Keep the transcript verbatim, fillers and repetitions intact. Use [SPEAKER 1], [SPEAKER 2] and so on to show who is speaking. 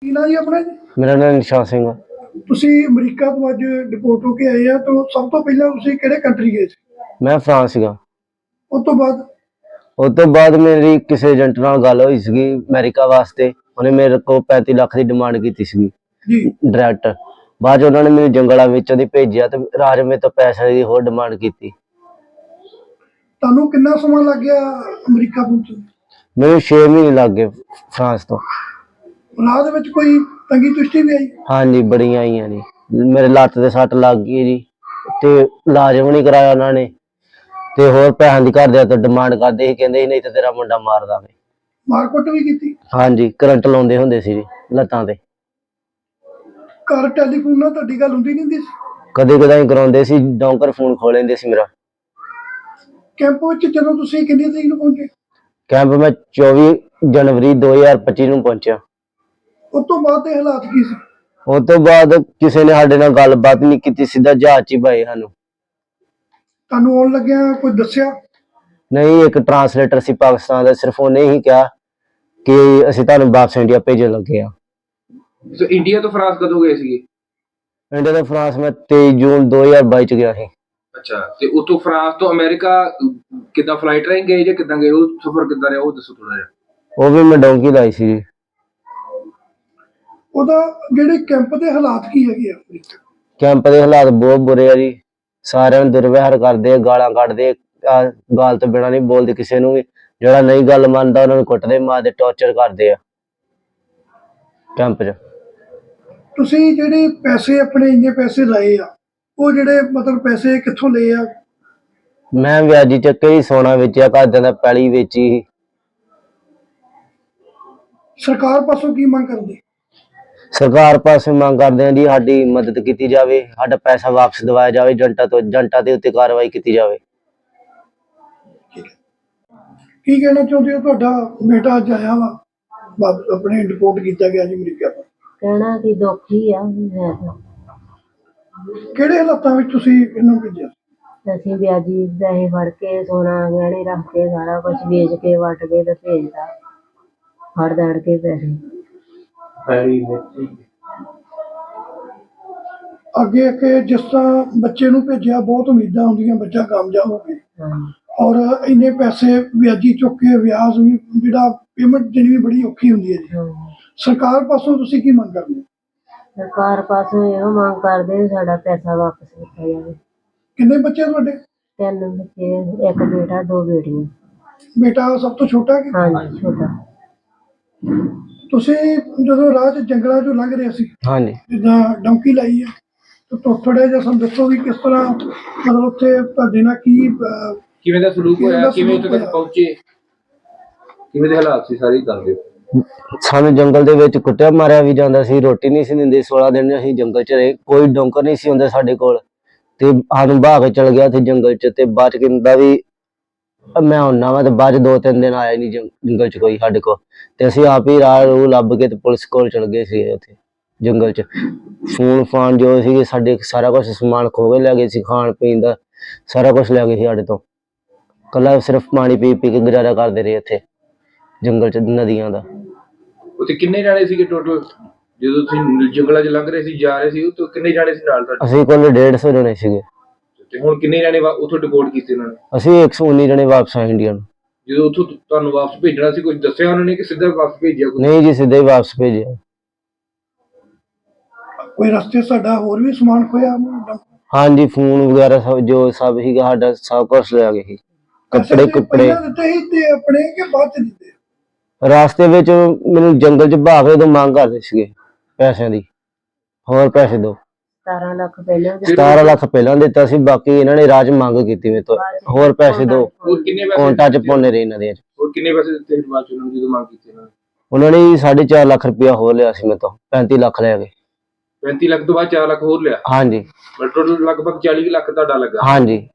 [SPEAKER 1] ਕੀ ਨਾਂ ਜੀ ਆਪਣਾ ਜੀ?
[SPEAKER 2] ਮੇਰਾ ਨਾਮ ਨਿਸ਼ਾਨ ਸਿੰਘ ਆ।
[SPEAKER 1] ਤੁਸੀਂ ਅਮਰੀਕਾ ਤੋਂ ਅੱਜ ਡਿਪੋਰਟ ਹੋ ਕੇ ਆਏ ਆ, ਤਾਂ ਸਭ ਤੋਂ ਪਹਿਲਾਂ ਤੁਸੀਂ ਕਿਹੜੇ ਕੰਟਰੀ ਗਏ ਸੀ?
[SPEAKER 2] ਮੈਂ ਫਰਾਂਸ ਸੀਗਾ।
[SPEAKER 1] ਉਸ ਤੋਂ ਬਾਅਦ
[SPEAKER 2] ਉਸ ਤੋਂ ਬਾਅਦ ਮੇਰੀ ਕਿਸੇ ਏਜੰਟ ਨਾਲ ਗੱਲ ਹੋਈ ਸੀਗੀ ਅਮਰੀਕਾ ਵਾਸਤੇ। ਉਹਨੇ ਮੇਰੇ ਕੋਲ ਪੈਂਤੀ ਲੱਖ ਦੀ ਡਿਮਾਂਡ ਕੀਤੀ ਸੀਗੀ
[SPEAKER 1] ਜੀ।
[SPEAKER 2] ਡਾਇਰੈਕਟ। ਬਾਅਦ 'ਚ ਉਹਨਾਂ ਨੇ ਮੈਨੂੰ ਜੰਗਲਾਂ ਵਿੱਚੋਂ ਦੀ ਭੇਜਿਆ ਤੇ ਰਾਜ ਮੇਰੇ ਤੋਂ ਪੈਸੇ ਦੀ ਹੋਰ ਡਿਮਾਂਡ ਕੀਤੀ।
[SPEAKER 1] ਤੁਹਾਨੂੰ ਕਿੰਨਾ ਸਮਾਂ ਲੱਗ ਗਿਆ ਅਮਰੀਕਾ ਪਹੁੰਚਣ?
[SPEAKER 2] ਮੈਨੂੰ ਛੇ ਮਹੀਨੇ ਲੱਗ ਗਏ ਫਰਾਂਸ ਤੋਂ।
[SPEAKER 1] ਰਾਹ ਦੇ ਵਿੱਚ ਕੋਈ ਤੰਗੀ ਤੁਸ਼ਟੀ ਵੀ ਆਈ?
[SPEAKER 2] ਹਾਂਜੀ, ਬੜੀਆਂ ਆਈਆਂ ਜੀ। ਮੇਰੇ ਲੱਤ ਤੇ ਸੱਟ ਲੱਗ ਗਈ ਜੀ ਤੇ ਇਲਾਜ ਵੀ ਨਹੀਂ ਕਰਾਇਆ ਉਹਨਾਂ ਨੇ ਤੇ ਹੋਰ ਪੈਸਿਆਂ ਦੀ ਘਰਦਿਆਂ ਤੋਂ ਡਿਮਾਂਡ ਕਰਦੇ ਸੀ, ਕਹਿੰਦੇ ਸੀ ਨਹੀਂ ਤਾਂ ਤੇਰਾ ਮੁੰਡਾ ਮਾਰ ਦਾਂਗੇ।
[SPEAKER 1] ਮਾਰਕੁੱਟ ਵੀ ਕੀਤੀ?
[SPEAKER 2] ਹਾਂਜੀ, ਕਰੰਟ ਲਾਉਂਦੇ ਹੁੰਦੇ ਸੀ ਜੀ ਲੱਤਾਂ ਤੇ।
[SPEAKER 1] ਘਰ ਟੈਲੀਫੋਨ ਨਾਲ ਤੁਹਾਡੀ ਗੱਲ ਹੁੰਦੀ ਨਹੀਂ ਹੁੰਦੀ ਸੀ?
[SPEAKER 2] ਕਦੇ ਕਦਾਈ ਕਰਾਉਂਦੇ ਸੀ, ਡੌਂਕਰ ਫੋਨ ਖੋਲ ਲੈਂਦੇ ਸੀ ਮੇਰਾ।
[SPEAKER 1] ਕੈਂਪ ਵਿੱਚ ਜਦੋਂ ਤੁਸੀਂ ਕਿੰਨੀ ਤਰੀਕ ਨੂੰ ਪਹੁੰਚੇ?
[SPEAKER 2] ਕੈਂਪ ਮੈਂ ਚੌਵੀ ਜਨਵਰੀ ਦੋ ਹਜ਼ਾਰ ਪੱਚੀ ਨੂੰ ਪਹੁੰਚਿਆ।
[SPEAKER 1] ਉਸ ਤੋਂ ਬਾਅਦ ਦੇ ਹਾਲਾਤ ਕੀ ਸੀ?
[SPEAKER 2] ਉਸ ਤੋਂ ਬਾਅਦ ਕਿਸੇ ਨੇ ਸਾਡੇ ਨਾਲ ਗੱਲਬਾਤ ਨਹੀਂ ਕੀਤੀ, ਸਿੱਧਾ ਜਹਾਜ਼ 'ਚ ਹੀ ਪਾਏ ਸਾਨੂੰ।
[SPEAKER 1] ਤੁਹਾਨੂੰ ਆਉਣ ਲੱਗਿਆ ਕੋਈ ਦੱਸਿਆ?
[SPEAKER 2] ਨਹੀਂ, ਇੱਕ ਟਰਾਂਸਲੇਟਰ ਸੀ ਪਾਕਿਸਤਾਨ ਦਾ, ਸਿਰਫ ਉਹਨੇ ਹੀ ਕਿਹਾ ਕਿ ਅਸੀਂ ਤੁਹਾਨੂੰ ਵਾਪਸ ਇੰਡੀਆ ਭੇਜਣ ਲੱਗੇ ਆ।
[SPEAKER 3] ਸੋ ਇੰਡੀਆ ਤੋਂ ਫਰਾਂਸ ਕਦੋਂ ਗਏ ਸੀਗੇ?
[SPEAKER 2] ਇੰਡੀਆ ਤੋਂ ਫਰਾਂਸ ਮੈਂ ਤੇਈ ਜੂਨ ਦੋ ਹਜ਼ਾਰ ਬਾਈ 'ਚ ਗਿਆ ਸੀ।
[SPEAKER 3] ਅੱਛਾ, ਤੇ ਉਤੋਂ ਫਰਾਂਸ ਤੋਂ ਅਮਰੀਕਾ ਕਿੱਦਾਂ ਫਲਾਈਟ ਰਾਹੀਂ ਗਏ ਜਾਂ ਕਿੱਦਾਂ ਗਏ? ਉਹ ਸਫ਼ਰ ਕਿੱਦਾਂ ਰਿਹਾ ਉਹ ਦੱਸੋ ਥੋੜਾ ਜਿਹਾ।
[SPEAKER 2] ਉਹ ਵੀ ਮੈਂ ਡੌਂਕੀ ਲਾਈ ਸੀ ਜੀ।
[SPEAKER 1] ਉਹਦਾ ਜਿਹੜੇ ਕੈਂਪ ਦੇ ਹਾਲਾਤ ਕੀ ਹੈਗੇ ਆ?
[SPEAKER 2] ਕੈਂਪ ਦੇ ਹਾਲਾਤ ਬਹੁਤ ਬੁਰੇ ਆ ਜੀ। ਸਾਰਿਆਂ ਨੂੰ ਦੁਰਵਿਹਾਰ ਕਰਦੇ ਆ, ਗਾਲਾਂ ਕੱਢਦੇ ਆ, ਗਾਲ ਤੋਂ ਬਿਨਾਂ ਨਹੀਂ ਬੋਲਦੇ ਕਿਸੇ ਨੂੰ ਵੀ। ਜਿਹੜਾ ਨਹੀਂ ਗੱਲ ਮੰਨਦਾ ਉਹਨਾਂ ਨੂੰ ਕੁੱਟਦੇ, ਮਾਰਦੇ, ਟੌਰਚਰ ਕਰਦੇ ਆ ਕੈਂਪ 'ਚ।
[SPEAKER 1] ਤੁਸੀਂ ਜਿਹੜੇ ਪੈਸੇ ਆਪਣੇ ਇੰਨੇ ਪੈਸੇ ਲਾਏ ਆ, ਉਹ ਜਿਹੜੇ ਮਤਲਬ ਪੈਸੇ ਕਿੱਥੋਂ ਲਏ ਆ?
[SPEAKER 2] ਮੈਂ ਵਿਆਜੀ ਚੱਕੇ ਹੀ ਸੋਨਾ ਵੇਚਿਆ, ਘਰਦਿਆਂ ਦਾ ਪੈਲੀ ਵੇਚੀ ਸੀ।
[SPEAKER 1] ਸਰਕਾਰ ਪਾਸੋਂ ਕੀ ਮੰਗ ਕਰਦੇ?
[SPEAKER 2] ਸਰਕਾਰ ਪਾਸੇ ਮੰਗ ਕਰਦੇ ਆ ਜੀ ਸਾਡੀ ਮਦਦ ਕੀਤੀ ਜਾਵੇ, ਸਾਡਾ ਪੈਸਾ ਵਾਪਸ ਦਿਵਾਇਆ ਜਾਵੇ, ਏਜੰਟਾਂ ਤੋਂ ਏਜੰਟਾਂ ਦੇ ਉੱਤੇ ਕਾਰਵਾਈ ਕੀਤੀ ਜਾਵੇ।
[SPEAKER 1] ਕੀ ਕਹਿਣਾ ਚਾਹੁੰਦੇ ਹੋ? ਤੁਹਾਡਾ ਬੇਟਾ ਅੱਜ ਆਇਆ ਵਾ, ਵਾਪਸ ਆਪਣੇ ਡਿਪੋਰਟ ਕੀਤਾ ਗਿਆ ਜੀ ਅਮਰੀਕਾ ਤੋਂ।
[SPEAKER 4] ਕਹਿਣਾ ਕਿ ਦੁੱਖ ਹੀ ਆ। ਮੈਂ ਤਾਂ
[SPEAKER 1] ਕਿਹੜੇ ਹਾਲਾਤਾਂ ਵਿੱਚ ਤੁਸੀਂ ਇਹਨੂੰ ਭੇਜਿਆ?
[SPEAKER 4] ਅਸੀਂ ਵਿਆਜੀ ਪੈਸੇ ਫੜ ਕੇ ਸੋਨਾ ਗਹਿਣੇ ਰੱਖ ਕੇ ਸਾਰਾ ਕੁਝ ਵੇਚ ਕੇ ਵੱਟ ਕੇ ਤੇ ਭੇਜਦਾ, ਫੜ ਦੜ ਕੇ ਪੈਸੇ।
[SPEAKER 1] ਅੱਗੇ ਅੱਗੇ ਜਿਸ ਤਰ੍ਹਾਂ ਬੱਚੇ ਨੂੰ ਭੇਜਿਆ, ਬਹੁਤ ਉਮੀਦਾਂ ਹੁੰਦੀਆਂ ਬੱਚਾ ਕਾਮਯਾਬ ਹੋਵੇ, ਔਰ ਇੰਨੇ ਪੈਸੇ ਵਿਆਜੀ ਚੁੱਕ ਕੇ ਵਿਆਜ ਵੀ ਜਿਹੜਾ ਪੇਮੈਂਟ ਦੇਣੀ ਵੀ ਬੜੀ ਔਖੀ ਹੁੰਦੀ ਹੈ ਜੀ। ਸਰਕਾਰ ਪਾਸੋਂ ਤੁਸੀਂ ਕੀ ਮੰਗ ਕਰਦੇ ਹੋ?
[SPEAKER 4] ਸਰਕਾਰ ਪਾਸੋਂ ਇਹੋ ਮੰਗ ਕਰਦੇ ਸਾਡਾ ਪੈਸਾ ਵਾਪਸ ਕੀਤਾ ਜਾਵੇ।
[SPEAKER 1] ਕਿੰਨੇ ਬੱਚੇ ਤੁਹਾਡੇ?
[SPEAKER 4] ਤਿੰਨ ਬੱਚੇ, ਇੱਕ ਬੇਟਾ, ਦੋ ਬੇਟੀਆਂ।
[SPEAKER 1] ਬੇਟਾ ਸਭ ਤੋਂ ਛੋਟਾ ਕਿ?
[SPEAKER 4] ਹਾਂਜੀ, ਛੋਟਾ।
[SPEAKER 1] ਤੁਸੀਂ ਜਦੋਂ ਰਾਹ 'ਚ ਜੰਗਲਾਂ 'ਚੋਂ ਲੰਘ ਰਹੇ ਸੀ,
[SPEAKER 2] ਹਾਂਜੀ,
[SPEAKER 1] ਜਿੱਦਾਂ ਡੌਂਕੀ ਲਾਈ ਆ, ਤਾਂ ਥੋੜ੍ਹਾ ਜਿਹਾ ਸਾਨੂੰ ਦੱਸੋ ਵੀ ਕਿਸ ਤਰ੍ਹਾਂ ਮਤਲਬ ਉੱਥੇ ਤੁਹਾਡੇ ਨਾਲ ਕੀ ਅਹ,
[SPEAKER 3] ਕਿਵੇਂ ਦਾ ਸਲੂਕ
[SPEAKER 1] ਕਿਵੇਂ
[SPEAKER 3] ਹੋਇਆ,
[SPEAKER 1] ਦਾ
[SPEAKER 3] ਕਿਵੇਂ ਉੱਥੇ
[SPEAKER 1] ਸਲੂਕ
[SPEAKER 3] ਤੱਕ ਪਹੁੰਚੇ, ਕਿਵੇਂ ਦੇ ਹਾਲਾਤ ਸੀ ਸਾਰੇ ਦੱਸ ਦਿਓ।
[SPEAKER 2] ਸਾਨੂੰ ਜੰਗਲ ਦੇ ਵਿੱਚ ਕੁੱਟਿਆ ਮਾਰਿਆ ਵੀ ਜਾਂਦਾ ਸੀ, ਰੋਟੀ ਨਹੀਂ ਸੀ ਦਿੰਦੇ। ਸੋਲਾਂ ਦਿਨ ਅਸੀਂ ਜੰਗਲ 'ਚ ਰਹੇ, ਕੋਈ ਡੌਂਕਰ ਨਹੀਂ ਸੀ ਹੁੰਦਾ ਸਾਡੇ ਕੋਲ ਤੇ ਸਾਨੂੰ ਬਹਾ ਕੇ ਚਲ ਗਿਆ ਉੱਥੇ ਜੰਗਲ 'ਚ। ਤੇ ਬਾਅਦ 'ਚ ਕਹਿੰਦਾ ਵੀ ਮੈਂ ਆਉਣਾ ਵਾ, ਤੇ ਬਾਅਦ 'ਚ ਦੋ ਤਿੰਨ ਦਿਨ ਆਇਆ ਨਹੀਂ ਜੰਗਲ 'ਚ ਕੋਈ ਸਾਡੇ ਕੋਲ। ਤੇ ਅਸੀਂ ਆਪ ਹੀ ਰਾਹ ਰੂਹ ਲੱਭ ਕੇ ਤੇ ਪੁਲਿਸ ਕੋਲ ਚਲ ਗਏ ਸੀ ਉੱਥੇ ਜੰਗਲ 'ਚ। ਫੋਨ ਫਾਨ ਜੋ ਸੀਗੇ ਸਾਡੇ, ਸਾਰਾ ਕੁਛ ਸਮਾਨ ਖੋਹ ਕੇ ਲੈ ਗਏ ਸੀ, ਖਾਣ ਪੀਣ ਦਾ ਸਾਰਾ ਕੁਛ ਲੈ ਗਏ ਸੀ ਸਾਡੇ ਤੋਂ। ਕੱਲਾ ਸਿਰਫ ਪਾਣੀ ਪੀ ਪੀ ਕੇ ਗੁਜ਼ਾਰਾ ਕਰਦੇ ਰਹੇ ਇੱਥੇ ਜੰਗਲ 'ਚ ਨਦੀਆਂ ਦਾ।
[SPEAKER 3] ਉੱਥੇ ਕਿੰਨੇ ਜਾਣੇ ਸੀਗੇ ਟੋਟਲ ਜਦੋਂ ਤੁਸੀਂ ਜੰਗਲਾਂ 'ਚ ਲੰਘ ਰਹੇ ਸੀ, ਜਾ ਰਹੇ ਸੀ? ਉੱਥੇ ਕਿੰਨੇ ਜਾਣੇ ਸੀ ਨਾਲ ਤੁਹਾਡੇ?
[SPEAKER 2] ਅਸੀਂ ਕੋਲ ਡੇਢ ਸੌ ਜਣੇ ਸੀਗੇ।
[SPEAKER 3] ਤੇ ਹੁਣ ਕਿੰਨੇ ਜਾਣੇ ਉੱਥੋਂ ਡਿਪੋਰਟ ਕੀਤੇ ਉਹਨਾਂ ਨੇ?
[SPEAKER 2] ਅਸੀਂ ਇੱਕ ਸੌ ਉੱਨੀ ਜਣੇ ਵਾਪਸ ਆਏ ਇੰਡੀਆ ਨੂੰ।
[SPEAKER 3] ਜਦੋਂ ਉੱਥੋਂ ਤੁਹਾਨੂੰ ਵਾਪਸ ਭੇਜਣਾ ਸੀ, ਕੁਝ ਦੱਸਿਆ ਉਹਨਾਂ ਨੇ ਕਿ ਸਿੱਧਾ ਵਾਪਸ ਭੇਜਿਆ?
[SPEAKER 2] ਨਹੀਂ ਜੀ, ਸਿੱਧਾ ਹੀ ਵਾਪਸ ਭੇਜਿਆ।
[SPEAKER 1] ਕੋਈ ਰਸਤੇ ਸਾਡਾ ਹੋਰ ਵੀ ਸਮਾਨ ਖੋਇਆ?
[SPEAKER 2] ਹਾਂਜੀ, ਫੋਨ ਵਗੈਰਾ ਸਭ ਜੋ ਸਭ ਸੀਗਾ ਸਾਡਾ, ਸਭ ਕੁਛ ਲੈ ਗਏ ਸੀ। ਕੱਪੜੇ ਕੁੱਪੜੇ
[SPEAKER 1] ਦਿੱਤੇ ਸੀ ਤੇ ਆਪਣੇ ਕਿ ਬਾਅਦ 'ਚ ਦਿੱਤੇ?
[SPEAKER 2] ਰਾਸਤੇ ਵਿੱਚ ਮੈਨੂੰ ਜੰਗਲ 'ਚ ਬਹਾ ਕੇ ਉਦੋਂ ਮੰਗ ਕਰਦੇ ਸੀਗੇ ਪੈਸਿਆਂ ਦੀ, ਹੋਰ ਪੈਸੇ ਦਿਓ।
[SPEAKER 4] ਸਤਾਰਾਂ ਲੱਖ ਪਹਿਲਾਂ
[SPEAKER 2] ਸਤਾਰਾਂ ਲੱਖ ਪਹਿਲਾਂ ਦਿੱਤਾ ਸੀ, ਬਾਕੀ ਇਹਨਾਂ ਨੇ ਰਾਜ ਮੰਗ ਕੀਤੀ ਮੇਰੇ ਤੋਂ, ਹੋਰ ਪੈਸੇ ਦਿਓ।
[SPEAKER 3] ਹੋਰ ਕਿੰਨੇ ਪੈਸੇ
[SPEAKER 2] ਕੌਂਟਾਂ 'ਚ ਪਾਉਂਦੇ ਰਹੇ ਇਹਨਾਂ ਦੇ।
[SPEAKER 3] ਹੋਰ ਕਿੰਨੇ ਪੈਸੇ ਦਿੱਤੇ ਬਾਅਦ 'ਚ ਉਹਨਾਂ ਨੂੰ ਜਦੋਂ ਮੰਗ ਕੀਤੀ ਇਹਨਾਂ ਨੇ?
[SPEAKER 2] ਉਹਨਾਂ ਨੇ ਸਾਢੇ ਚਾਰ ਲੱਖ ਰੁਪਇਆ ਹੋਰ ਲਿਆ ਸੀ ਮੇਰੇ ਤੋਂ, ਪੈਂਤੀ ਲੱਖ ਲੈ ਗਏ।
[SPEAKER 3] ਪੈਂਤੀ ਲੱਖ ਤੋਂ ਬਾਅਦ ਚਾਰ ਲੱਖ ਹੋਰ ਲਿਆ?
[SPEAKER 2] ਹਾਂਜੀ,
[SPEAKER 3] ਟੋਟਲ ਲਗਭਗ ਚਾਲੀ ਲੱਖ ਤੁਹਾਡਾ ਲੱਗਾ।
[SPEAKER 2] ਹਾਂਜੀ।